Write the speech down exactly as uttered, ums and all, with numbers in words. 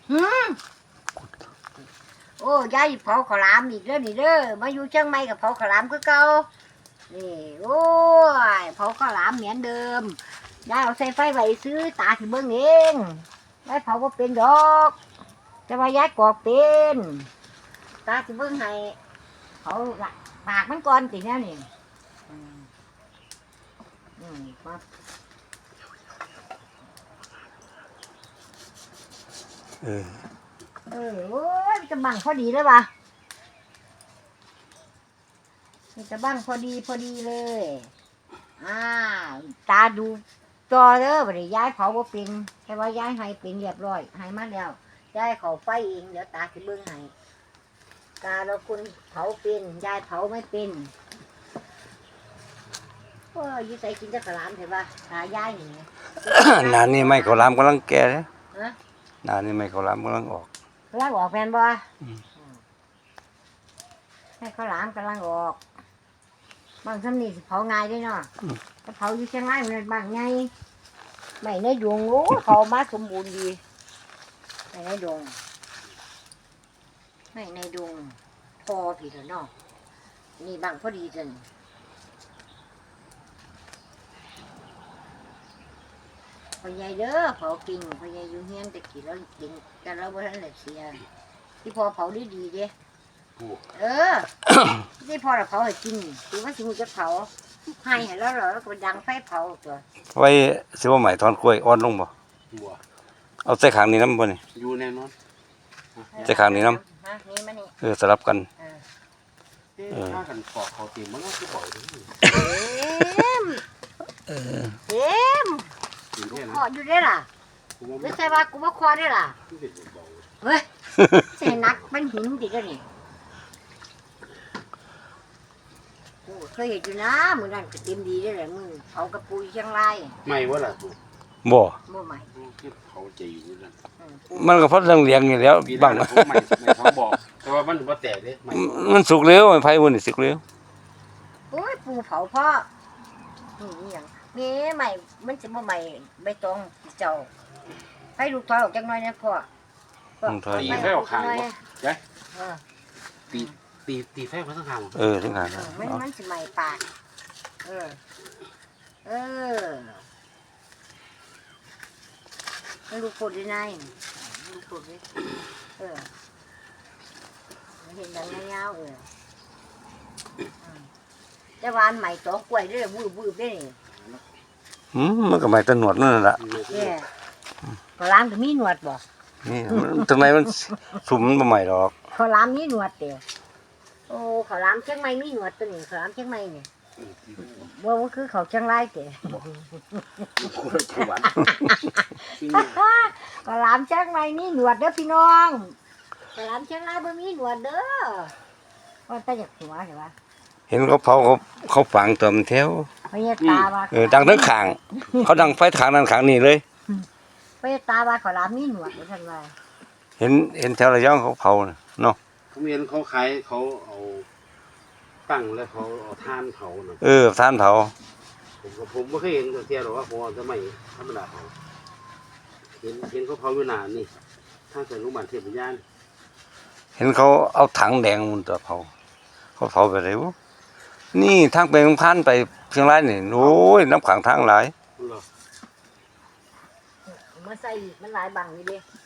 หืมโอ้ยายเผาข้าวหลามอีกแล้วนี่เด้อมาอยู่เชียงใหม่กับเผาข้าวหลามคือเก่านี่โอ้ยเผาข้าวหลามเหมือนเดิมยายเอาใส่ไฟไว้ซื้อตาสิเบิ่งเองยายเผาบ่เป็นดอกแต่ว่ายายกรอกเป็นตาสิเบิ่งให้เผาละปากมันก่อนติแน่นี่อืมอืมมาเออเออโอ้ยจะบังพอดีเลยว่ะมันจะบังพอดีพอดีเลยอ่าตาดูจอเด้อบัดนี้ย้ายเผาบ่เป็นแต่ว่าย้ายให้เป็นเรียบร้อยให้มาแล้วย้ายเขาไฟเองเดี๋ยวตาสิเบิ่งให้ตาเราคนเผาเป็นย้ายเผาไม่เป็นโอ้ยอยู่ใส่กินจักรลามเห็นป่ะตาย้ายนี่นานนี่ไม่ข้าวหลามกำลังแก่เลยฮะนานนี่ไม่ข้าวหลามกำลังออกกำลังออกแฟนบ่อืมให้ข้าวหลามกำลังออกบางสำนีสิเผาง่ายด้วยเนาะถ้าเผาอยู่เชียงรายมันบางไงไม่ในดวงโอ้เขามาสมบูรณ์ดีไม่ในดวงไม่ในดวงพอผิดแล้วเนาะนี่บางพอดีจังพอใหญ่เด้อเผากิ่งพอใหญ่อยู่เฮียนแต่กี่แล้วกิ่งแต่เราบ่ทันได้เสียที่พอเผาดีดีๆเด้เออ ที่พอเราเผาให้กินคือว่าสิมันจะเผาให้ให้แล้วเหรอแล้วก็ดังไฟเผาตัวไว้สิว่าใหม่ถอนกล้วยอ่อนลงบ่บัวเอาใส่ขางนี้น้ำบ่นี่อยู่แน่นอนใส่ขางนี้น้ฮะนี่มานี่ำเออสลับกันเออเออถ้ากันปอกเขาเตรียมมันก็คือปล่อยเลยเอ็มเออเอ็มกินกูแค่ขนั้อน อยู่ได้ล่ะผมว่าไม่ใช่ว่ากูมาคอได้ล่ะไม่เป็นเบาเฮ้ยใส่นักมันหินดิกันนี่โอ้เคยเห็นอยู่นะมือนั่นก็เต็มดีได้เลยมึงเผากระปุยเชียงรายไม่ว่าล่ะตัวบ่บ่ใหม่คือเขาใจอยู่นั่นอืมปูมันก็เพราะเรื่องเลี้ยงอยู่แล้วปีบางนั้นผมไม่ไม่ท้องบอก แต่ว่ามันว่าแตกเลยไม่มันสุกเร็วไอ้ไผมันนี่สุกเร็วโอ้ยปูเผาพ่อนี่อหย่างนี่ใหม่มันจะบ่ใหม่ใบตองเจ้าให้ลูกถอยออกจังหน่อยนะพ่อพ่อมันถอยตีไฟออกข้างบ่ใช่เออตีตีตีไฟมาทั้งข้างเออถึงหางเออมันมันสิใหม่ปากเออ เออให้ลูกพูดได้ไงลูกพูดดิเออเห็นดังยาวๆเอออืมแต่วาอันใหม่ตอกกล้วยเด้อวืบวืบได้นี่อืมมันก็ไม่ตะหนวดนั่นแหละเนี่ยข้าวหลามก็มีหนวดบ่นี่มันถึงไหนมันสุ่มมันบ่ใหม่ดอกข้าวหลามมีหนวดเดียวโอ้ข้าวหลามเชียงใหม่มีหนวดตัวนี้ข้าวหลามเชียงใหม่เนี่ยบ่ว่าคือเขาวเชียงรายเด้คนละจังหวัดข้าวหลามเชียงใหม่มีหนวดเด้อพี่น้องข้าวหลามเชียงรายบ่มีหนวดเด้อว่าแต่อยากหัวใช่ปะเห็นเขาเผาเขาเขาฝังตัวมันแถวพญาตาว่าเออดังทั้งขาง เขาดังไฟขางนั้นขางนี้เลยพญาตาว่าข้าวหลามมีหนวดว่าซั่นว่าเห็นเห็นแถวระยองเขาเผาน่ะเนาะผมเห็นเขาขายเขาเอาตั้งแล้วเขาเอาทานเขาน่ะเออท่านเผาผมก็ผมไม่เคยเห็นเทียหรอกว่าผมจะไม่ธรรมดาเขาเห็นเห็นเขาเผาอยู่นานนี่ถ้าเกิดรู้มันเทียบยานเห็นเขาเอาถังแดงมันตัวเผาเขาเผาไปไหนวะนี่ทางไปเมืองพันไปเชียงรายนี่โอ้ยน้ำขังทางหลายเหรอมาใส่อีกมันหลายบังอยู่เด้